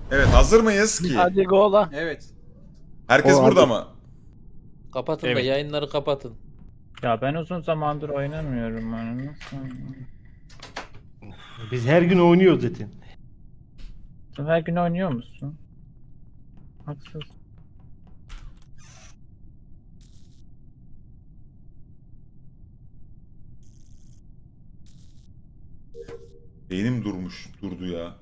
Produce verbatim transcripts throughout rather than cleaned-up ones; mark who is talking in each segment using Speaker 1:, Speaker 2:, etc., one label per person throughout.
Speaker 1: Evet, hazır mıyız ki?
Speaker 2: Hadi gola.
Speaker 3: Evet.
Speaker 1: Herkes
Speaker 4: O,
Speaker 1: burada
Speaker 4: hadi.
Speaker 1: mı?
Speaker 5: Kapatın
Speaker 6: Evet.
Speaker 5: da yayınları kapatın.
Speaker 6: Ya ben uzun zamandır oynamıyorum. Yani nasıl?
Speaker 4: Biz her gün oynuyoruz zaten.
Speaker 6: Sen her gün oynuyor musun? Haksız.
Speaker 1: Beynim durmuş, durdu ya.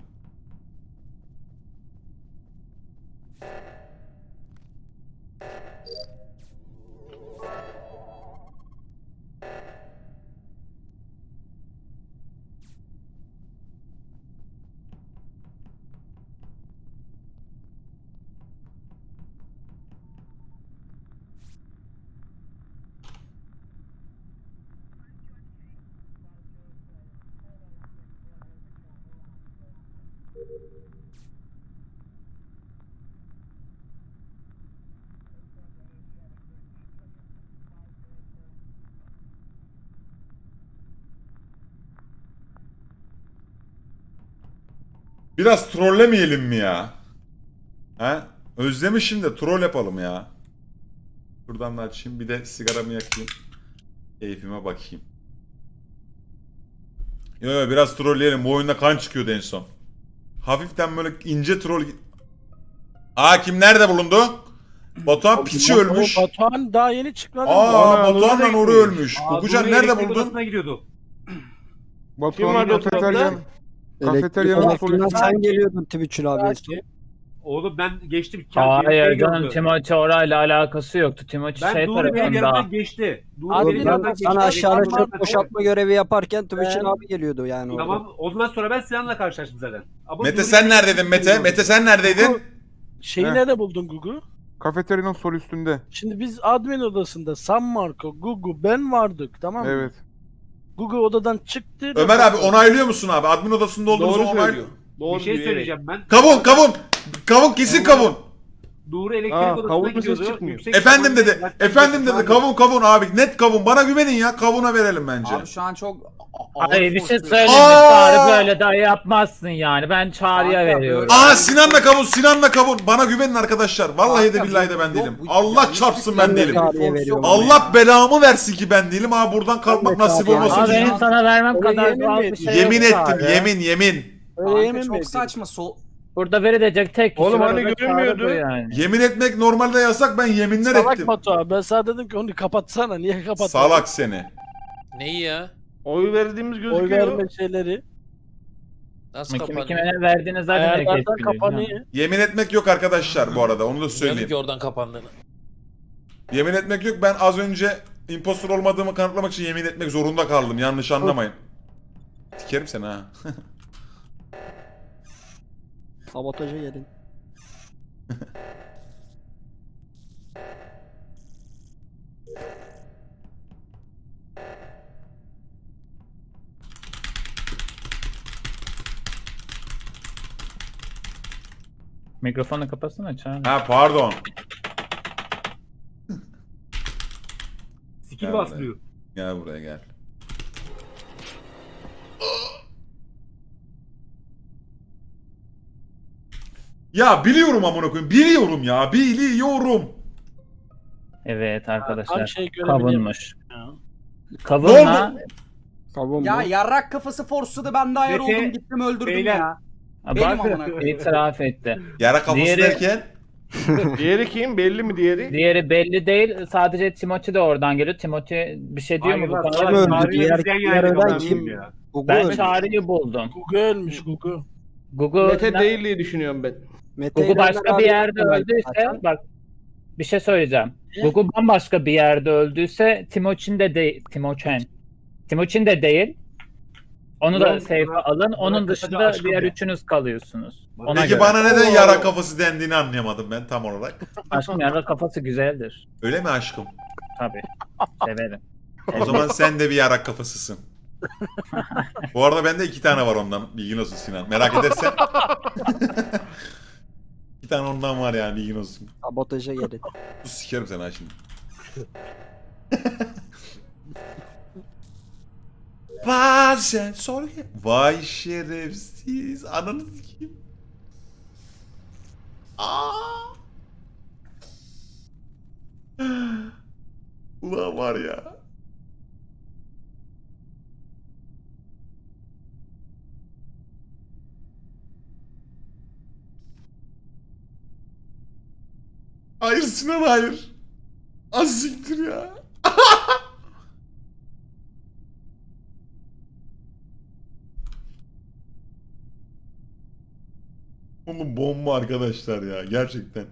Speaker 1: Biraz trollemeyelim mi ya? He? Özlemişim de troll yapalım ya. Şuradan da açayım, bir de sigaramı yakayım. Keyfime bakayım. Yo yo, biraz trolleyelim. Bu oyunda kan çıkıyordu en son. Hafiften böyle ince troll... Aa, kim nerede bulundu? Batuhan piçi ölmüş.
Speaker 2: Batuhan daha yeni çıkmadı mı?
Speaker 1: Aa,
Speaker 4: Ana,
Speaker 1: Batuhan'la
Speaker 4: Nuri
Speaker 1: Nuri
Speaker 4: gitmiş.
Speaker 1: ölmüş.
Speaker 7: Aa,
Speaker 1: Kukucan
Speaker 7: Nuri
Speaker 1: nerede
Speaker 7: elektrik
Speaker 1: buldun?
Speaker 7: odasına gidiyordu.
Speaker 4: Kim
Speaker 8: Batuhan'ın
Speaker 4: vardı o tarafta?
Speaker 8: kafeteryanın kafeteryanın
Speaker 2: Elektrik-
Speaker 8: solunda.
Speaker 2: Sen
Speaker 8: geliyordun Twitch'in
Speaker 2: Belki.
Speaker 7: Oğlum ben geçtim.
Speaker 6: Hayır
Speaker 7: Şey
Speaker 6: canım,
Speaker 7: gördü.
Speaker 6: Timoçi orayla alakası yoktu. Timoçi
Speaker 7: Ben
Speaker 6: şey
Speaker 7: Doğru benim
Speaker 6: tarafında.
Speaker 7: yanımdan geçti. Doğru
Speaker 2: Abi
Speaker 7: benim
Speaker 2: ben
Speaker 7: yanımdan geçti.
Speaker 8: Sana aşağıda
Speaker 7: Elektrik
Speaker 8: çöp
Speaker 7: odasına-
Speaker 8: boşaltma görevi yaparken Twitch'in
Speaker 2: Ben-
Speaker 8: abi geliyordu yani orada.
Speaker 7: Tamam ondan sonra ben Sinan'la karşılaştım zaten. Ama
Speaker 1: Mete
Speaker 7: Nuri
Speaker 1: sen
Speaker 7: beni-
Speaker 1: neredeydin Mete? Mete sen neredeydin?
Speaker 2: Şeyi
Speaker 8: Heh.
Speaker 2: nerede buldun Gugu?
Speaker 8: Kafeteryanın sol üstünde.
Speaker 2: Şimdi biz admin odasında San Marco, Gugu, ben vardık, tamam mı?
Speaker 8: Evet.
Speaker 2: Gugu odadan çıktı.
Speaker 1: Ömer abi onaylıyor musun abi? Admin odasında olduğumuzu
Speaker 4: Doğru
Speaker 1: onay...
Speaker 4: söylüyor. Doğru
Speaker 7: Bir şey
Speaker 4: diyor,
Speaker 7: söyleyeceğim ben.
Speaker 1: Kavun kavun! Kavun kesin kavun!
Speaker 7: Doğru elektrik
Speaker 4: Aa,
Speaker 7: odasına
Speaker 4: kavun ses
Speaker 7: gidiyordu.
Speaker 4: çıkmıyor.
Speaker 7: Yüksek
Speaker 1: Efendim
Speaker 7: ihtimalle
Speaker 1: dedi.
Speaker 7: zaten
Speaker 1: Efendim
Speaker 7: zaten
Speaker 1: dedi. Kavun kavun abi. Net kavun. Bana güvenin ya. Kavuna verelim bence.
Speaker 3: Abi şu an çok a- ağır
Speaker 6: Hayır, bir şey
Speaker 3: force-
Speaker 6: söyleyeyim.
Speaker 1: Aa!
Speaker 6: Çağrı böyle daha yapmazsın yani. Ben Çağrı'ya
Speaker 3: Kanka,
Speaker 6: veriyorum.
Speaker 3: böyle-
Speaker 1: Aa, Sinan'la kavun. Sinan'la kavun. Bana güvenin arkadaşlar. Vallahi de
Speaker 3: Kanka,
Speaker 1: billahi de
Speaker 3: bu-
Speaker 1: ben
Speaker 3: yok,
Speaker 1: değilim.
Speaker 3: bu-
Speaker 1: Allah
Speaker 3: yani
Speaker 1: çarpsın
Speaker 3: hiçbir
Speaker 1: ben
Speaker 3: şey
Speaker 1: değilim.
Speaker 3: yok.
Speaker 8: Tarihe veriyorum.
Speaker 1: Allah belamı versin ki ben değilim. Ha, buradan kalkmak
Speaker 8: Evet,
Speaker 1: nasip
Speaker 8: abi,
Speaker 1: olmasın.
Speaker 6: Ama
Speaker 3: yani-
Speaker 1: ki.
Speaker 6: benim sana vermem
Speaker 2: Öyle
Speaker 6: kadar
Speaker 2: yemin
Speaker 6: doğal
Speaker 2: mi
Speaker 6: bir
Speaker 2: ettin?
Speaker 6: şey
Speaker 1: Yemin
Speaker 6: yok
Speaker 1: ettim.
Speaker 6: Çağrı.
Speaker 1: Yemin yemin.
Speaker 2: Öyle
Speaker 3: Kanka
Speaker 2: yemin mi
Speaker 3: çok
Speaker 2: ettin?
Speaker 3: saçma. Sol...
Speaker 6: Burada verilecek tek kişi
Speaker 4: Oğlum
Speaker 6: var,
Speaker 4: hani
Speaker 6: o da Çağrı
Speaker 4: görünmüyordu.
Speaker 6: bu yani.
Speaker 1: Yemin etmek normalde yasak. Ben yeminler
Speaker 2: Salak
Speaker 1: ettim.
Speaker 2: Batuhan, ben sana dedim ki onu kapatsana, niye kapatmadın?
Speaker 1: Salak seni.
Speaker 5: Neyi ya?
Speaker 4: Oy verdiğimiz
Speaker 2: Oy
Speaker 4: gözüküyor.
Speaker 2: verme şeyleri.
Speaker 5: Nasıl
Speaker 6: Kim
Speaker 5: kapanıyor?
Speaker 6: kime ne verdiğini zaten herkes
Speaker 2: Ayarlardan
Speaker 6: biliyor.
Speaker 2: kapanıyor.
Speaker 1: Yemin etmek yok arkadaşlar bu arada. Onu da
Speaker 5: Bilmiyordum
Speaker 1: söyleyeyim.
Speaker 5: ki oradan kapandığını.
Speaker 1: Yemin etmek yok. Ben az önce impostor olmadığımı kanıtlamak için yemin etmek zorunda kaldım. Yanlış anlamayın. Sikerim seni ha.
Speaker 8: Sabotaja gelin.
Speaker 6: Mikrofonu kapatsana Çağrı.
Speaker 1: Ha, pardon.
Speaker 7: Skill
Speaker 1: Gel
Speaker 7: basmıyor.
Speaker 1: Gel buraya gel. Ya biliyorum amına koyayım. Biliyorum ya. Biliyorum.
Speaker 6: Evet
Speaker 2: Tam
Speaker 6: arkadaşlar.
Speaker 2: şey görebiliyorum.
Speaker 6: Kavunmuş.
Speaker 2: Ya.
Speaker 6: Kavunla
Speaker 8: Kavun
Speaker 3: Ya
Speaker 8: mu?
Speaker 3: yarrak kafası forsladı, ben de ayar
Speaker 7: Mete,
Speaker 3: oldum, gittim öldürdüm
Speaker 7: beyler.
Speaker 3: ya.
Speaker 6: bak
Speaker 3: Benim amına koyayım.
Speaker 6: itiraf etti.
Speaker 1: Yara kafası
Speaker 6: Diğeri-
Speaker 1: derken.
Speaker 4: Diğeri kim? Belli mi diğeri?
Speaker 6: Diğeri belli değil. Sadece Timothy de oradan geliyor. Timothy bir şey diyor
Speaker 7: Hayır
Speaker 6: mu bu
Speaker 7: lan,
Speaker 6: konuda?
Speaker 8: Kim
Speaker 7: salak,
Speaker 8: öldü?
Speaker 7: Çağrı'yı
Speaker 8: Diğer-
Speaker 7: izleyen
Speaker 8: diğer
Speaker 7: yani
Speaker 8: ölen
Speaker 7: ben
Speaker 8: kim?
Speaker 7: bilmiyorum ya.
Speaker 8: Gugu
Speaker 6: Ben
Speaker 8: öldü.
Speaker 6: Çağrı'yı buldum.
Speaker 2: Gugu ölmüş Gugu.
Speaker 6: Google,
Speaker 4: Mete değil diye düşünüyorum ben.
Speaker 8: Mete
Speaker 6: Google
Speaker 8: ile
Speaker 6: başka
Speaker 8: Ömer
Speaker 6: bir
Speaker 8: abi
Speaker 6: yerde
Speaker 8: öldü
Speaker 6: öldüyse
Speaker 8: zaten.
Speaker 6: bak bir şey söyleyeceğim.
Speaker 2: Ne?
Speaker 6: Google bambaşka bir yerde öldüyse Timoçin de değil. Timoçen. Timoçin de değil. Onu da
Speaker 7: Burak-
Speaker 6: safe'e
Speaker 7: Burak-
Speaker 6: alın. Onun
Speaker 7: Burak
Speaker 6: dışında
Speaker 7: kısaca aşkım
Speaker 6: diğer
Speaker 7: ya.
Speaker 6: üçünüz kalıyorsunuz. Ona
Speaker 1: Peki
Speaker 6: göre.
Speaker 1: bana neden
Speaker 4: Oo.
Speaker 1: yara kafası dendiğini anlayamadım ben tam olarak.
Speaker 6: Aşkım yarra kafası güzeldir.
Speaker 1: Öyle mi aşkım?
Speaker 6: Tabii. Severim.
Speaker 1: O zaman sen de bir yarak kafasısın. Bu arada bende iki tane var ondan. Bilgin olsun Sinan. Merak edersen. İki tane ondan var yani, bilgin olsun.
Speaker 8: Sabotaja gelin.
Speaker 1: Sus, sikerim seni ha şimdi. Bazen sor ya. Vay şerefsiz. Ananı sikeyim. Aa! Ulan var ya. Hayır Sinan hayır. Az siktir ya. Oğlum bomba arkadaşlar ya gerçekten.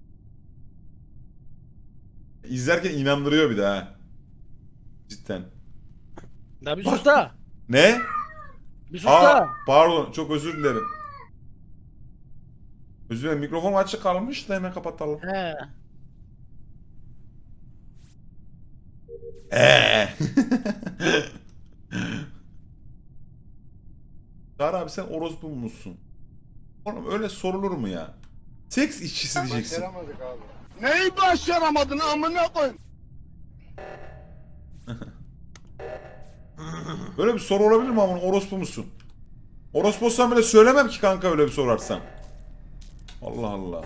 Speaker 1: İzlerken inandırıyor bir de ha. Cidden.
Speaker 2: Ya bir sus da.
Speaker 1: Ne?
Speaker 2: Bir sus
Speaker 1: Aa,
Speaker 2: da.
Speaker 1: pardon çok özür dilerim. Özür dilerim mikrofon açık kalmış da hemen kapatalım.
Speaker 2: He.
Speaker 1: Eee. Çağrı abi sen orospu musun? Oğlum öyle sorulur mu ya? Seks işçisi diyeceksin.
Speaker 9: Neyi başaramadın amına koy?
Speaker 1: Böyle bir soru olabilir mi ama orospu musun? Orospu olsam bile söylemem ki kanka öyle bir sorarsan. Allah Allah.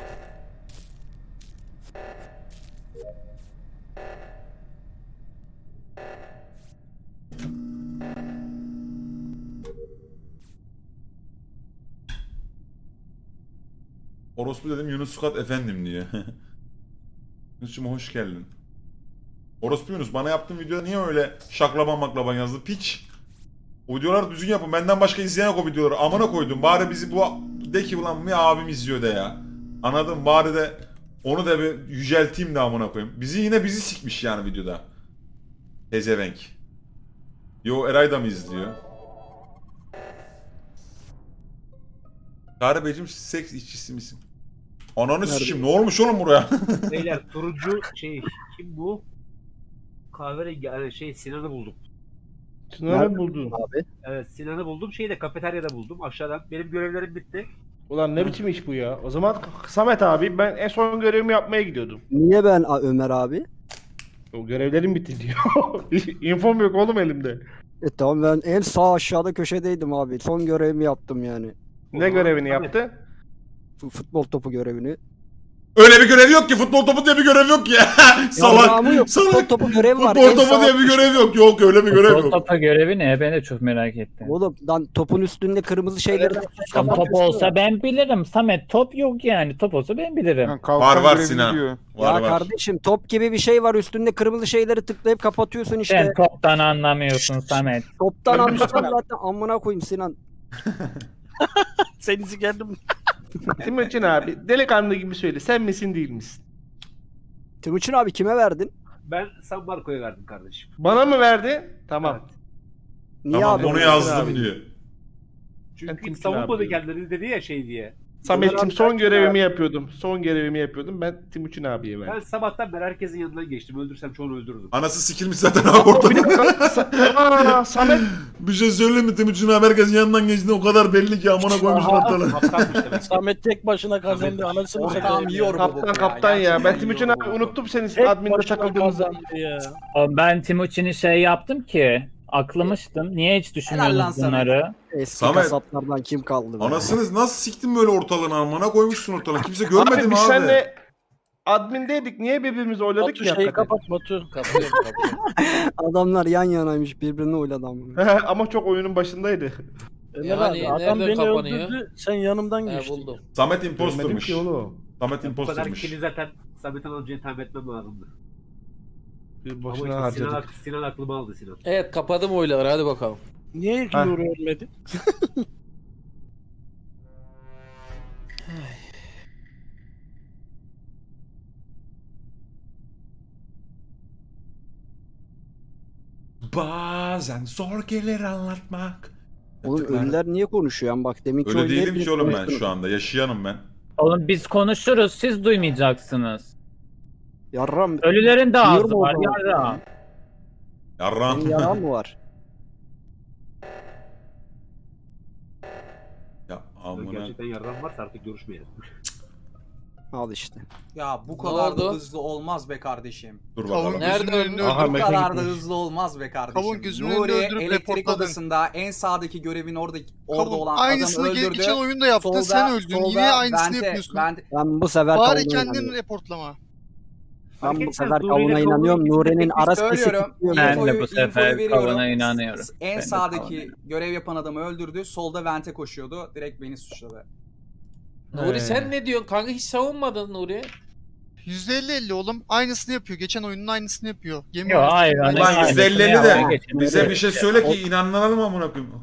Speaker 1: Orospu dedim Yunus Sukat efendim diyor. Yunus'cum hoş geldin. Orospu Yunus bana yaptığın videoda niye öyle şaklaban maklaban yazdı piç? O videoları düzgün yapın benden başka izleyen yok o videoları amına koydum bari bizi bu de ki ulan bir abim izliyor de ya. Anladın bari de onu da bir yücelteyim de amına koyayım. Bizi yine bizi sikmiş yani videoda. Tezevenk. Yo Eray da mı izliyor? Çağrı Beyciğim seks işçisi misin? Ananı sikeyim ne olmuş oğlum buraya?
Speaker 7: Beyler turuncu şey kim bu? Kahverengi yani şey Sinan'ı buldum.
Speaker 4: Sınavı buldun.
Speaker 7: Evet Sinan'ı buldum. Şeyi de kafeteryada buldum aşağıdan. Benim görevlerim bitti.
Speaker 4: Ulan ne biçim iş bu ya? O zaman Samet abi ben en son görevimi yapmaya gidiyordum.
Speaker 8: Niye ben A- Ömer abi?
Speaker 4: O görevlerim bitti diyor. İnfom yok oğlum elimde.
Speaker 8: E tamam ben en sağ aşağıda köşedeydim abi. Son görevimi yaptım yani.
Speaker 4: Ne görevini
Speaker 7: Samet.
Speaker 4: yaptı?
Speaker 8: F- Futbol topu görevini.
Speaker 1: Öyle bir görev yok ki futbol topu diye bir görev yok ki. Salak.
Speaker 8: Yarrağımı yok. Futbol
Speaker 1: Salak.
Speaker 8: topu görevi var.
Speaker 1: Futbol
Speaker 8: En
Speaker 1: topu
Speaker 8: sağ
Speaker 1: diye bir
Speaker 8: köşe-
Speaker 1: görev yok. Yok öyle bir görev
Speaker 6: Futbol
Speaker 1: yok.
Speaker 6: topu görevi ne? Ben de çok merak ettim.
Speaker 8: Oğlum lan topun üstünde kırmızı şeyleri
Speaker 6: Tam top olsa ben bilirim. Samet top yok yani. Top olsa ben bilirim.
Speaker 1: Var var Sinan. Var
Speaker 8: Ya
Speaker 1: var.
Speaker 8: kardeşim top gibi bir şey var üstünde kırmızı şeyleri tıklayıp kapatıyorsun işte.
Speaker 6: Sen toptan anlamıyorsun Samet.
Speaker 8: Toptan anlıyorsan zaten amına koyayım Sinan.
Speaker 2: Seni sikerdim.
Speaker 4: Timuçin abi delikanlı gibi söyle sen misin değil misin?
Speaker 8: Timuçin abi kime verdin?
Speaker 7: Ben San Marco'ya verdim kardeşim.
Speaker 4: Bana mı verdi? Tamam.
Speaker 7: Evet.
Speaker 8: Niye
Speaker 1: Tamam
Speaker 8: abi?
Speaker 1: onu
Speaker 4: Abi.
Speaker 1: yazdım diyor.
Speaker 7: Çünkü
Speaker 4: Timuçin
Speaker 7: hiç savunmadı
Speaker 4: abi.
Speaker 7: kendileri dedi ya şey diye.
Speaker 4: Samet'ciğim
Speaker 8: abi,
Speaker 4: son
Speaker 8: ben-
Speaker 4: görevimi yapıyordum. Son görevimi yapıyordum. Ben Timuçin abiye
Speaker 7: Ben
Speaker 4: verdim.
Speaker 7: sabahtan beri herkesin yanından geçtim. Öldürsem çoğunu öldürürdüm.
Speaker 1: Anası sikilmiş zaten abi ortada.
Speaker 4: Bir dakika. Sa- Aa, Samet.
Speaker 1: Bir şey söyleyeyim mi Timuçin abi herkesin yanından geçti o kadar belli ki amına koymuşlar ortalığı.
Speaker 7: Kaptanmış demek.
Speaker 2: Samet tek başına kazandı. Anasını
Speaker 3: Ortağım
Speaker 2: satayım.
Speaker 3: yiyor bu
Speaker 4: Kaptan
Speaker 3: boku
Speaker 4: kaptan ya.
Speaker 3: Gerçekten
Speaker 4: Ben Timuçin
Speaker 3: yiyor
Speaker 4: abi
Speaker 3: bu boku.
Speaker 4: unuttum seni
Speaker 2: Tek
Speaker 4: adminde
Speaker 2: başına
Speaker 4: takıldığımızda.
Speaker 2: kazandı ya.
Speaker 6: Oğlum ben Timuçin'i şey yaptım ki. Aklamıştım. Niye hiç
Speaker 3: lan
Speaker 6: düşünmüyordunuz
Speaker 3: Samet.
Speaker 6: bunları?
Speaker 8: Eski
Speaker 1: Samet.
Speaker 8: kasaplardan kim kaldı? be?
Speaker 1: Anasınız nasıl siktin böyle ortalığını amına koymuşsun ortalığını. Kimse görmedi
Speaker 4: Abi
Speaker 1: mi
Speaker 4: biz
Speaker 1: abi?
Speaker 4: seninle admindeydik. Niye birbirimizi oyladık
Speaker 2: Batu
Speaker 4: ki
Speaker 2: şeyi
Speaker 4: hakikaten?
Speaker 2: kapat Batu.
Speaker 5: Kapıyorum kapıyorum.
Speaker 8: Adamlar yan yanaymış birbirini oyladı amına.
Speaker 4: Ama çok oyunun başındaydı.
Speaker 2: Ömer
Speaker 5: Yani
Speaker 2: abi adam
Speaker 5: nereden
Speaker 2: beni
Speaker 5: kapanıyor?
Speaker 2: öldürdü. Sen yanımdan
Speaker 5: He
Speaker 2: geçtin.
Speaker 5: buldum.
Speaker 1: Samet
Speaker 4: Görmedim
Speaker 1: imposturmuş.
Speaker 4: ki oğlum.
Speaker 1: Samet
Speaker 7: Bu kadar
Speaker 1: imposturmuş.
Speaker 7: kili zaten Samet'in amcayı tahmin etmem lazımdı.
Speaker 4: Bir
Speaker 7: Ama
Speaker 4: boşuna
Speaker 7: işte Sinan,
Speaker 4: harcadık.
Speaker 7: ak- Sinan aklımı aldı Sinan.
Speaker 5: Evet kapadım oyları hadi bakalım.
Speaker 2: Niye ilk
Speaker 4: Ha.
Speaker 2: Nuri ölmedi?
Speaker 1: Bazen zor gelir anlatmak.
Speaker 8: Oğlum ölüler niye konuşuyor? Yani bak deminki
Speaker 1: Öyle
Speaker 8: oyunda
Speaker 1: değilim
Speaker 8: hepiniz
Speaker 1: ki oğlum ben
Speaker 8: konuştunuz.
Speaker 1: şu anda. Yaşayanım ben.
Speaker 6: Oğlum biz konuşuruz. Siz duymayacaksınız.
Speaker 8: Yarram.
Speaker 6: Ölülerin de
Speaker 8: Duyuyor
Speaker 6: ağzı
Speaker 8: mu
Speaker 6: var.
Speaker 8: o zaman?
Speaker 6: Yarra.
Speaker 1: Yarram.
Speaker 8: Senin yaran mı var?
Speaker 1: Ya
Speaker 7: Ben
Speaker 1: amına.
Speaker 7: gerçekten yardım varsa artık görüşmeyelim.
Speaker 8: Al işte.
Speaker 3: Ya bu
Speaker 5: Ne
Speaker 3: kadar da
Speaker 5: oldu?
Speaker 3: hızlı olmaz be kardeşim.
Speaker 1: Dur
Speaker 9: Kavun
Speaker 1: bakalım.
Speaker 5: Nerede
Speaker 9: gözünün
Speaker 5: öldün?
Speaker 9: önünde
Speaker 4: Aha,
Speaker 3: Bu
Speaker 9: öldürüp,
Speaker 4: Mete
Speaker 3: kadar da
Speaker 4: gitmiş.
Speaker 3: hızlı olmaz be kardeşim.
Speaker 9: Kavun gözünün önünde
Speaker 3: Nuri
Speaker 9: öldürüp
Speaker 3: elektrik
Speaker 9: reportladın.
Speaker 3: odasında en sağdaki görevin orada orada
Speaker 9: Kavun
Speaker 3: olan
Speaker 9: aynısını
Speaker 3: adamı
Speaker 9: ge-
Speaker 3: öldürdü.
Speaker 9: geçen oyunda yaptın, sen öldün. Yine aynısını
Speaker 3: vente-
Speaker 9: yapıyorsun.
Speaker 3: vente-
Speaker 8: Ben bu sefer
Speaker 9: Bari
Speaker 8: kavuna
Speaker 9: kendini
Speaker 8: inanıyorum.
Speaker 9: reportlama.
Speaker 8: Ben bu
Speaker 7: Fark
Speaker 8: sefer
Speaker 7: etmez, Nuri ile
Speaker 8: kavuna
Speaker 7: Kavun'un
Speaker 8: inanıyorum.
Speaker 7: ikisi de
Speaker 8: Nuri'nin
Speaker 7: tek bir
Speaker 8: ara sesi
Speaker 3: Söylüyorum.
Speaker 8: tutuyor.
Speaker 6: Ben de
Speaker 3: infoyu-
Speaker 6: bu
Speaker 3: infoyu
Speaker 6: sefer
Speaker 3: veriyorum.
Speaker 6: Kavun'a inanıyorum.
Speaker 3: S-
Speaker 6: Ben
Speaker 3: En
Speaker 6: de
Speaker 3: sağdaki
Speaker 6: Kavun'a.
Speaker 3: görev yapan adamı öldürdü. Solda vente koşuyordu. Direkt beni suçladı.
Speaker 5: Nuri
Speaker 4: Ee.
Speaker 5: sen ne diyorsun kanka, hiç savunmadın Nuri.
Speaker 9: yüzde elli elli oğlum. Aynısını yapıyor. Geçen oyunun aynısını yapıyor. Yemin
Speaker 6: Yok
Speaker 9: ederim.
Speaker 6: hayır.
Speaker 9: Aynı-
Speaker 1: Ulan
Speaker 6: Aynen.
Speaker 1: yüz elli elli
Speaker 6: Ya,
Speaker 1: de
Speaker 6: geçin.
Speaker 1: bize bir şey söyle ki inanalım amına koyayım.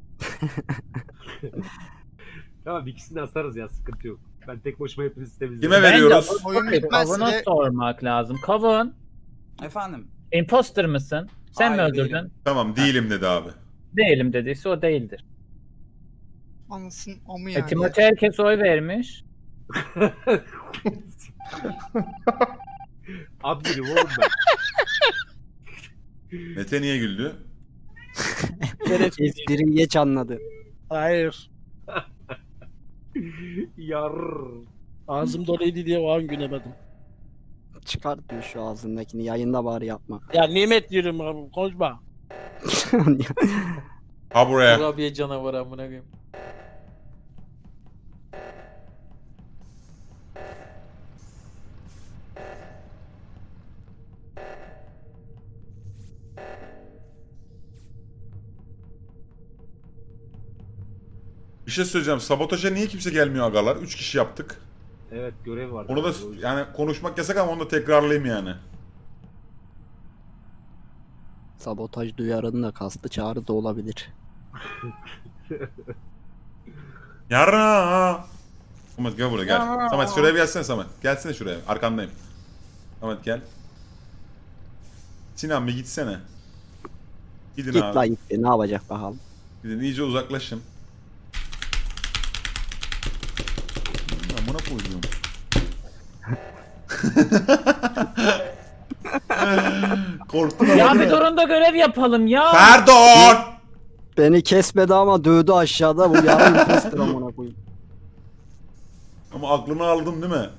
Speaker 7: Tamam ikisini de asarız ya, sıkıntı yok. Ben tek başıma hepinizi temizlerim.
Speaker 1: Kime veriyoruz?
Speaker 9: Oyun
Speaker 6: Bence
Speaker 9: bitmezse
Speaker 6: Kavun'a
Speaker 9: de
Speaker 6: sormak lazım. Kavun,
Speaker 3: Efendim.
Speaker 6: imposter mısın? Sen mi
Speaker 3: Hayır,
Speaker 6: öldürdün?
Speaker 3: değilim.
Speaker 1: Tamam değilim dedi abi.
Speaker 6: Değilim dediyse o değildir.
Speaker 9: anlasın amı
Speaker 6: E,
Speaker 9: yani.
Speaker 6: Timothy herkes oy vermiş.
Speaker 7: Abdirim oğlum ben.
Speaker 1: Mete niye güldü?
Speaker 8: Espriyi geç anladı.
Speaker 2: Hayır.
Speaker 7: Yar.
Speaker 2: Ağzım doluydu diye o an gülemedim.
Speaker 8: Çıkartma şu ağzındakini. Yayında bari yapma.
Speaker 2: Ya nimet diyorum abi, konuşma.
Speaker 1: Ha buraya.
Speaker 5: Kurabiye canavarı amına koyayım.
Speaker 1: Bir şey söyleyeceğim. Sabotaja niye kimse gelmiyor agalar? Üç kişi yaptık.
Speaker 7: Evet, görev var.
Speaker 1: Onu da yani konuşmak yasak ama onu da tekrarlayayım yani.
Speaker 8: Sabotaj duyarının da kastı çağrı da olabilir.
Speaker 1: Yara. Samet gel buraya gel. Samet şuraya bir gelsene Samet. Gelsene şuraya. Arkandayım. Samet gel. Sinan bir gitsene. Gidin
Speaker 8: Git
Speaker 1: abi.
Speaker 8: la git. Ne yapacak bakalım.
Speaker 1: Gidin iyice uzaklaşın. Amına koyduğum. Korktun ama
Speaker 6: Ya
Speaker 1: değil
Speaker 6: bir
Speaker 1: mi?
Speaker 6: durun da görev yapalım ya.
Speaker 1: Pardon.
Speaker 8: Beni kesmedi ama dövdü aşağıda. Bu yarın imposter amına koyayım.
Speaker 1: Ama aklını aldım değil mi?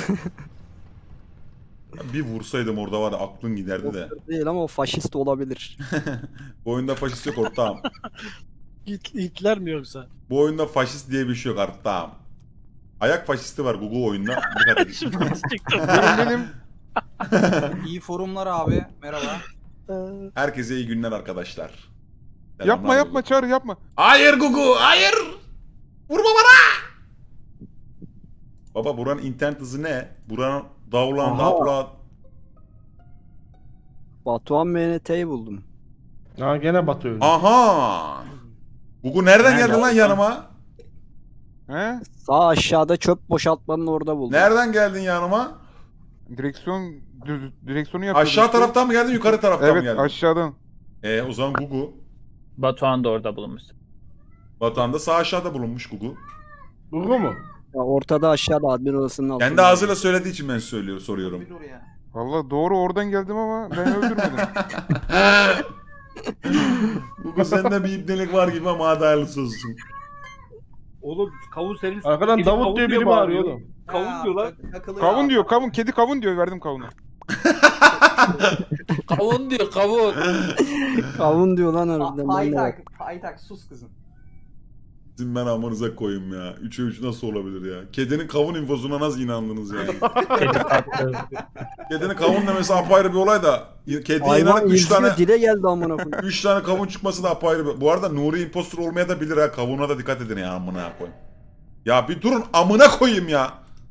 Speaker 1: Bir vursaydım orada var ya aklın giderdi de.
Speaker 8: Değil ama o faşist olabilir.
Speaker 1: Bu oyunda faşist yok ortağım.
Speaker 2: Hit, Hitler mi yoksa?
Speaker 1: Bu oyunda faşist diye bir şey yok ortağım. Ayak faşisti var Google oyunda. Dikkat edin.
Speaker 2: Şimdi nasıl çıktı?
Speaker 9: Benim benim.
Speaker 3: İyi forumlar abi. Merhaba.
Speaker 2: Ee,
Speaker 1: Herkese iyi günler arkadaşlar.
Speaker 10: Yapma
Speaker 1: Selamlar
Speaker 10: yapma
Speaker 1: Google.
Speaker 10: Çağrı yapma.
Speaker 1: Hayır Gugu, hayır. Vurma bana. Baba buranın internet hızı ne? Buranın davlan
Speaker 8: Aha.
Speaker 1: davlan.
Speaker 8: Batuhan M N T'yi buldum.
Speaker 4: Ha gene Batu öldü.
Speaker 1: Aha. Gugu nereden
Speaker 8: Nerede
Speaker 1: geldin lan
Speaker 8: oğlum?
Speaker 1: yanıma?
Speaker 10: He?
Speaker 8: Sağ aşağıda çöp boşaltmanın orada buldum.
Speaker 1: Nereden geldin yanıma?
Speaker 10: Direksiyon dü- direksiyonu yapıyordum.
Speaker 1: Aşağı
Speaker 10: işte.
Speaker 1: taraftan mı geldin, yukarı taraftan mı
Speaker 10: Evet
Speaker 1: geldin?
Speaker 10: aşağıdan.
Speaker 1: E o zaman Gugu.
Speaker 6: Batuhan da orada bulunmuş.
Speaker 1: Batuhan'da sağ aşağıda bulunmuş Gugu.
Speaker 4: Gugu mu?
Speaker 8: Ya ortada aşağıda admin odasının altında.
Speaker 1: Kendi ağzıyla söylediği için ben söylüyorum, soruyorum.
Speaker 3: Bir dur ya.
Speaker 10: Valla doğru oradan geldim ama ben öldürmedim.
Speaker 1: Gugu sende bir ibnelik var gibi ama hadi hayırlısı olsun.
Speaker 7: Oğlum kavun senin...
Speaker 4: Arkadan
Speaker 7: senin
Speaker 4: Davut
Speaker 7: kavun
Speaker 4: diye biri bağırıyor oğlum.
Speaker 7: Kavun
Speaker 3: Ha,
Speaker 7: diyor lan.
Speaker 3: tak- takılıyor
Speaker 10: Kavun
Speaker 3: abi.
Speaker 10: diyor kavun kedi kavun diyor verdim kavunu.
Speaker 5: Kavun diyor kavun.
Speaker 8: Kavun diyor lan
Speaker 3: Pa-
Speaker 8: harbiden. ben de bak.
Speaker 3: Paytak, paytak sus kızım.
Speaker 1: Sizin ben amınıza koyayım ya. Üçe üç nasıl olabilir ya? Kedinin kavun infosuna nasıl inandınız yani?
Speaker 6: Kedi tatlı.
Speaker 1: Kedinin kavun demesi apayrı bir olay da. Kediye
Speaker 8: Hayvan
Speaker 1: inanıp üç
Speaker 8: ilgiyor
Speaker 1: tane...
Speaker 8: dile geldi amına koyayım.
Speaker 1: Üç tane kavun çıkması da apayrı bir... Bu arada Nuri impostor olmaya da bilir ha. Kavuna da dikkat edin ya amına koyayım. Ya bir durun amına koyayım ya.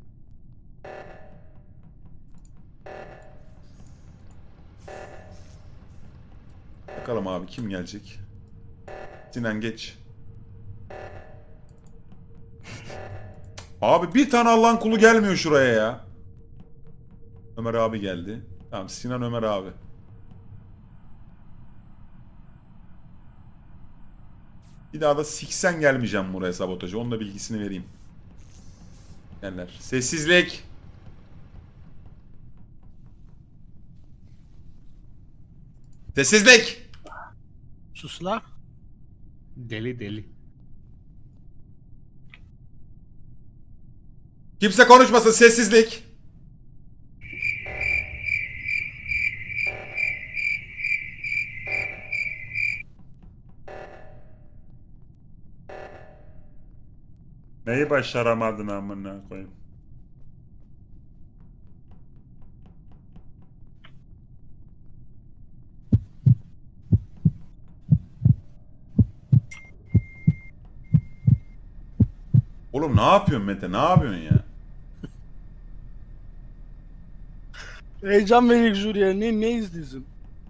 Speaker 1: Bakalım abi kim gelecek? Sinan geç. Abi bir tane Allah'ın kulu gelmiyor şuraya ya. Ömer abi geldi. Tamam Sinan Ömer abi. Bir daha da siksen gelmeyeceğim buraya sabotajı. Onun da bilgisini vereyim. Yerler. Sessizlik. Sessizlik.
Speaker 2: Sus la.
Speaker 4: Deli deli.
Speaker 1: Kimse konuşmasın, sessizlik. Neyi başaramadın amına koyayım? Oğlum ne yapıyorsun Mete? Ne yapıyorsun ya?
Speaker 2: Heyecan verir jüriye. Ne, ne izliyorsun?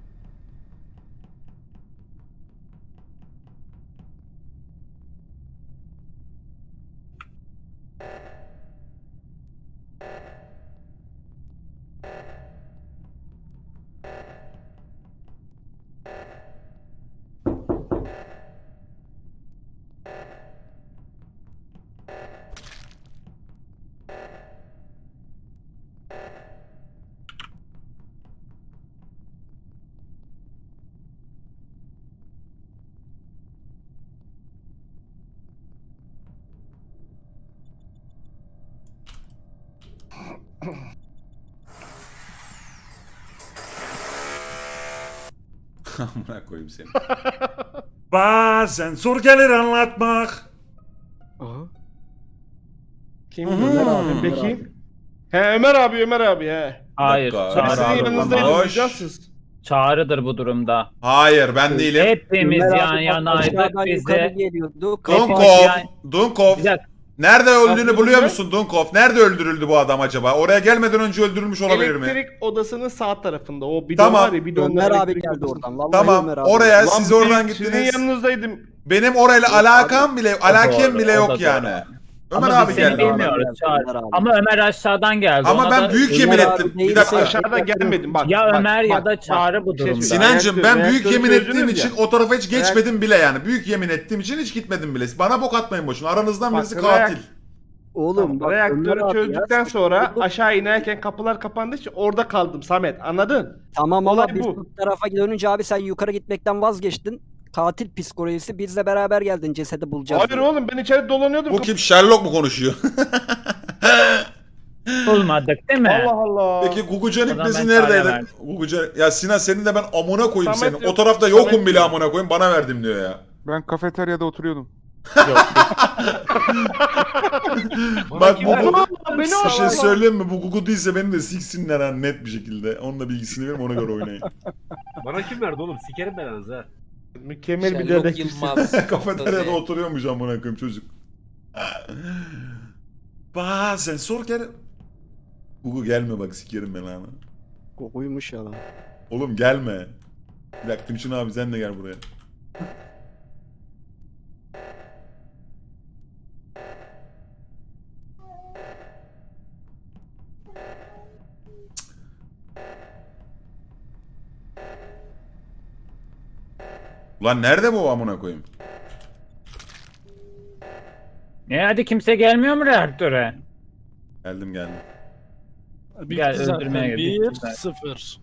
Speaker 1: Amına koyayım seni. Bazen zor gelir anlatmak.
Speaker 8: Aha.
Speaker 4: Kim?
Speaker 1: Hı hı.
Speaker 4: Ömer abi. Peki. He Ömer abi Ömer abi he.
Speaker 6: Hayır.
Speaker 1: dakika.
Speaker 4: Ben
Speaker 6: Çağrı
Speaker 4: sizin
Speaker 6: abi.
Speaker 4: yanınızdaydım.
Speaker 1: Hoş.
Speaker 4: Duyacaksınız.
Speaker 6: Çağrı'dır bu durumda.
Speaker 1: Hayır ben değilim.
Speaker 6: Hepimiz
Speaker 8: Ömer
Speaker 6: yan
Speaker 8: abi
Speaker 6: yanaydık
Speaker 8: aşağıdan yukarı
Speaker 6: bize.
Speaker 8: geliyordu.
Speaker 1: Dunkov,
Speaker 6: yani-
Speaker 1: Dunkov.
Speaker 6: Bir dakika.
Speaker 1: Nerede öldüğünü
Speaker 4: Aklınızda-
Speaker 1: buluyor musun Dunkov? Nerede öldürüldü bu adam acaba? Oraya gelmeden önce öldürülmüş olabilir mi?
Speaker 4: Elektrik odasının sağ tarafında. O bidon
Speaker 1: Tamam.
Speaker 4: var ya bidonda
Speaker 8: Ömer abi
Speaker 4: elektrik
Speaker 8: geldi
Speaker 4: odası.
Speaker 8: oradan. Vallahi
Speaker 1: Tamam.
Speaker 8: Ömer abi.
Speaker 1: Oraya
Speaker 4: Lan
Speaker 1: siz
Speaker 4: ben
Speaker 1: oradan
Speaker 4: Sizin
Speaker 1: gittiniz.
Speaker 4: yanınızdaydım.
Speaker 1: Benim orayla alakam bile, alakem
Speaker 6: doğru,
Speaker 1: bile
Speaker 6: o
Speaker 1: yok
Speaker 6: da
Speaker 1: yani.
Speaker 6: doğru.
Speaker 1: Ömer
Speaker 6: Ama
Speaker 1: abi
Speaker 6: biz seni
Speaker 1: geldi.
Speaker 8: bilmiyoruz.
Speaker 1: Ama,
Speaker 6: bilmiyoruz Çağrı.
Speaker 8: Ömer abi.
Speaker 6: Ama Ömer aşağıdan geldi.
Speaker 1: ama
Speaker 6: Ona
Speaker 1: ben
Speaker 6: da-
Speaker 1: büyük
Speaker 8: Ömer
Speaker 1: yemin
Speaker 8: abi
Speaker 1: ettim. Bir
Speaker 8: değilse-
Speaker 1: dakika.
Speaker 4: Aşağıda gelmedim bak.
Speaker 6: Ya
Speaker 4: bak,
Speaker 6: Ömer ya
Speaker 4: bak,
Speaker 6: da
Speaker 4: bak.
Speaker 6: Çağrı bu
Speaker 4: Bir şey
Speaker 6: durumda.
Speaker 4: söyleyeyim.
Speaker 1: Sinancım
Speaker 4: Reaktör-
Speaker 1: ben büyük
Speaker 4: reaktörü
Speaker 1: yemin ettiğim
Speaker 4: çözdünüz
Speaker 1: için
Speaker 4: ya.
Speaker 1: o tarafa hiç
Speaker 4: Reaktör-
Speaker 1: geçmedim bile yani. Büyük yemin ettiğim için hiç gitmedim bile. Bana bok atmayın boşuna. Aranızdan
Speaker 4: Bak,
Speaker 1: birisi
Speaker 4: reak-
Speaker 1: katil.
Speaker 8: Oğlum bak, Ömer
Speaker 4: Reaktörü
Speaker 8: abi ya,
Speaker 4: çözdükten
Speaker 8: sıkıntı
Speaker 4: sonra
Speaker 8: yok.
Speaker 4: aşağı inerken kapılar kapandığı için orada kaldım Samet. Anladın?
Speaker 8: Tamam
Speaker 4: olay
Speaker 8: ama biz
Speaker 4: bu.
Speaker 8: bu tarafa dönünce abi sen yukarı gitmekten vazgeçtin. Katil psikolojisi bizle beraber geldin cesedi bulacağız.
Speaker 4: Hayır
Speaker 8: diye.
Speaker 4: oğlum ben içeri dolanıyordum.
Speaker 1: Bu kim? Sherlock mu konuşuyor?
Speaker 6: Bulmadık değil mi?
Speaker 4: Allah Allah.
Speaker 1: Peki Gugucan
Speaker 6: O zaman
Speaker 1: ipnesi
Speaker 6: ben Çağrı'ya
Speaker 1: neredeydi?
Speaker 6: verdim.
Speaker 1: Gugucan... Ya Sinan senin de ben amına koyayım
Speaker 4: Samet
Speaker 1: seni.
Speaker 4: yok.
Speaker 1: O tarafta yokum
Speaker 4: Samet
Speaker 1: bile
Speaker 4: yok.
Speaker 1: amına koyayım. Bana verdim diyor ya.
Speaker 10: Ben kafeteryada oturuyordum.
Speaker 1: Bak bu
Speaker 4: Beni
Speaker 1: Gugu...
Speaker 4: al, beni
Speaker 1: Bir
Speaker 4: al,
Speaker 1: şey
Speaker 4: al.
Speaker 1: söyleyeyim mi? Bu Gugu değilse beni de siksinler ha net bir şekilde. Onun da bilgisini verin ona göre oynayın.
Speaker 7: Bana kim verdi oğlum? Sikerim belanızı ha.
Speaker 4: Mükemmel bir
Speaker 5: Sherlock
Speaker 4: dedektifsin.
Speaker 5: Yılmaz.
Speaker 1: Kafeteryada oturuyormuş amına koyayım çocuk. Bazen sor gel. Gugu gelme bak sikerim ben ama.
Speaker 8: Kokuymuş ya lan.
Speaker 1: Oğlum gelme. Bir dakika Tümçün abi sen de gel buraya. Ulan nerede bu amına koyayım?
Speaker 6: E hadi kimse gelmiyor mu reaktöre?
Speaker 1: Geldim geldim.
Speaker 2: Bitti
Speaker 6: Gel,
Speaker 2: zaten.
Speaker 6: öldürmeye
Speaker 2: bir
Speaker 6: gittik zaten.
Speaker 2: sıfır.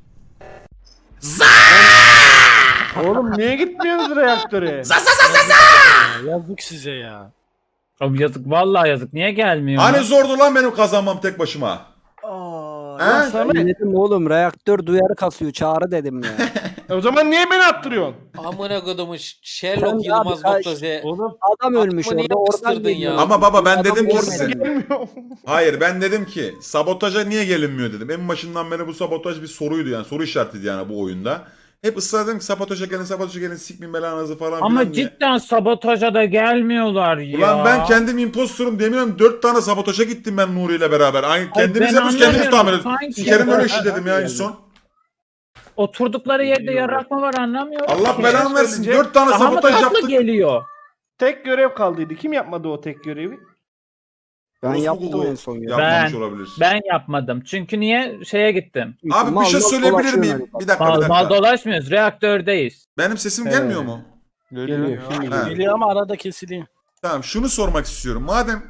Speaker 4: Oğlum niye gitmiyorsunuz reaktöre?
Speaker 2: Ya, yazık size ya.
Speaker 6: Oğlum yazık vallahi yazık. Niye gelmiyor?
Speaker 1: Hani
Speaker 6: lan?
Speaker 1: zordu lan benim kazanmam tek başıma.
Speaker 3: Aa,
Speaker 1: He?
Speaker 4: Ya Samet.
Speaker 8: Dedim oğlum reaktör duyarı kasıyor çağrı dedim ya.
Speaker 4: E o zaman niye beni attırıyorsun?
Speaker 5: Amına kodumu
Speaker 8: Sen
Speaker 5: Sherlock
Speaker 8: ya
Speaker 5: Yılmaz
Speaker 8: bir kaç-
Speaker 5: nokta Z.
Speaker 7: Oğlum
Speaker 8: Adam ölmüş
Speaker 5: Aklıma niye
Speaker 8: orada oradan
Speaker 5: yapıştırdın ya?
Speaker 8: geliyor.
Speaker 1: Ama baba ben
Speaker 8: Adam
Speaker 1: dedim ki
Speaker 8: görmedi.
Speaker 1: size.
Speaker 4: Gelmiyor.
Speaker 1: Hayır ben dedim ki sabotaja niye gelinmiyor dedim. En başından beri bu sabotaj bir soruydu yani soru işaretiydi yani bu oyunda. Hep ısrar dedim ki sabotaja gelin sabotaja gelin sikmeyin belanızı falan
Speaker 6: Ama
Speaker 1: filan diye.
Speaker 6: cidden sabotaja da gelmiyorlar ya.
Speaker 1: Ulan ben kendim impostorum demiyorum. Dört tane sabotaja gittim ben Nuri ile beraber. Aynı kendimiz
Speaker 6: ben
Speaker 1: yapıyoruz kendimiz tahmin
Speaker 6: anlamıyorum.
Speaker 1: ediyoruz.
Speaker 6: Sanki-
Speaker 1: Sikerim öyle işi dedim ya en son.
Speaker 6: Oturdukları yerde yarak mı var anlamıyorum.
Speaker 1: Allah
Speaker 6: ki.
Speaker 1: belanı versin.
Speaker 4: söyleyecek.
Speaker 1: Dört tane
Speaker 6: Daha mı
Speaker 1: sabotaj
Speaker 6: tatlı
Speaker 1: yaptık.
Speaker 6: geliyor?
Speaker 4: Tek görev kaldıydı. Kim yapmadı o tek görevi?
Speaker 8: Ben
Speaker 1: Orospu
Speaker 8: yaptım
Speaker 1: Gugu
Speaker 8: en son ya.
Speaker 1: Yapmamış
Speaker 6: Ben-
Speaker 1: olabilir.
Speaker 6: Ben yapmadım. Çünkü niye şeye gittim?
Speaker 1: Abi bir
Speaker 8: Mal
Speaker 1: şey
Speaker 8: mal
Speaker 1: söyleyebilir
Speaker 8: dolaşıyor
Speaker 1: miyim?
Speaker 8: yani.
Speaker 1: Bir dakika bir
Speaker 6: Mal,
Speaker 1: dakika.
Speaker 6: mal dolaşmıyoruz. Reaktördeyiz.
Speaker 1: Benim sesim
Speaker 4: Ee,
Speaker 1: gelmiyor mu?
Speaker 4: Geliyor. Şimdi
Speaker 1: Ha.
Speaker 2: Geliyor ama arada kesiliyor.
Speaker 1: Tamam şunu sormak istiyorum. Madem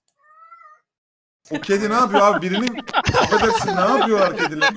Speaker 1: o kedi ne yapıyor abi? Birinin affedersin ne yapıyorlar kediler?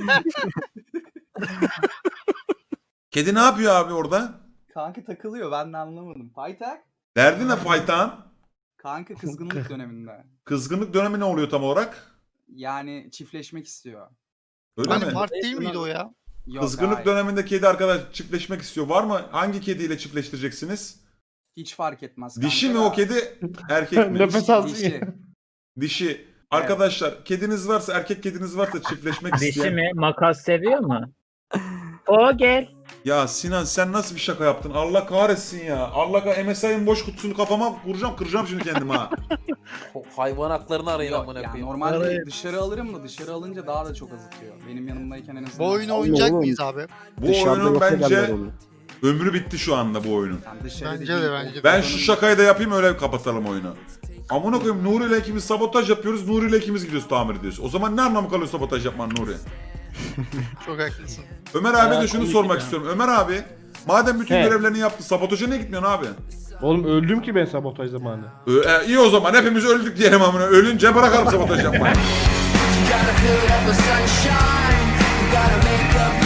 Speaker 1: Kedi ne yapıyor abi orada?
Speaker 3: kanka takılıyor ben de anlamadım. Paytak?
Speaker 1: Derdi ne Faytan?
Speaker 3: Kanka kızgınlık döneminde.
Speaker 1: Kızgınlık dönemi ne oluyor tam olarak?
Speaker 3: Yani çiftleşmek istiyor.
Speaker 1: Öyle
Speaker 9: Hani
Speaker 1: mi?
Speaker 9: Mart değil miydi o ya?
Speaker 3: Yok,
Speaker 1: Kızgınlık
Speaker 3: hayır.
Speaker 1: döneminde kedi arkadaş çiftleşmek istiyor. Var mı? Hangi kediyle çiftleştireceksiniz?
Speaker 3: Hiç fark etmez.
Speaker 1: Dişi mi
Speaker 3: kanka
Speaker 1: o
Speaker 3: da.
Speaker 1: kedi? Erkek mi?
Speaker 4: Nefes alsın
Speaker 3: Dişi.
Speaker 4: ya.
Speaker 1: Dişi. Arkadaşlar kediniz varsa, erkek kediniz varsa çiftleşmek
Speaker 6: Dişi
Speaker 1: isteyen.
Speaker 6: mi? Makas seviyor mu? O gel.
Speaker 1: Ya Sinan sen nasıl bir şaka yaptın? Allah kahretsin ya. Allah kah M S I'nin boş kutusunu kafama vuracağım, kıracağım şimdi kendimi ha.
Speaker 5: O hayvan haklarını arayın
Speaker 3: Yok,
Speaker 5: amına
Speaker 3: yani
Speaker 5: koyayım.
Speaker 3: normalde
Speaker 2: Arayın.
Speaker 3: dışarı alırım da dışarı alınca daha da çok azıtıyor. Benim yanımdayken en azından.
Speaker 9: Bu oyunu
Speaker 8: Allah
Speaker 9: oynayacak
Speaker 8: oğlum.
Speaker 9: mıyız abi?
Speaker 1: Bu
Speaker 8: Dışarıda
Speaker 1: oyunun
Speaker 8: yok ederler
Speaker 1: bence
Speaker 8: onu.
Speaker 1: ömrü bitti şu anda bu oyunun.
Speaker 3: Yani dışarı
Speaker 9: Bence
Speaker 3: değil,
Speaker 9: de
Speaker 3: o-
Speaker 9: bence de.
Speaker 1: Ben şu şakayı da yapayım öyle kapatalım oyunu. Amına koyayım Nuri ile ikimiz sabotaj yapıyoruz. Nuri ile ikimiz gidiyoruz tamir ediyoruz. O zaman ne anlamı kalıyor sabotaj yapman Nuri?
Speaker 9: Çok haklısın.
Speaker 1: Ömer abi
Speaker 5: Ya,
Speaker 1: de şunu
Speaker 5: komik
Speaker 1: sormak
Speaker 5: ya.
Speaker 1: istiyorum. Ömer abi madem bütün
Speaker 4: He.
Speaker 1: görevlerini yaptı sabotaja niye gitmiyorsun abi?
Speaker 4: Oğlum öldüm ki ben sabotaj zamanı.
Speaker 1: Ee, e, iyi o zaman hepimiz öldük diyelim amına. Ölünce bırakalım sabotaj yapmayı.
Speaker 11: Gotta fill it up with sunshine. Gotta make up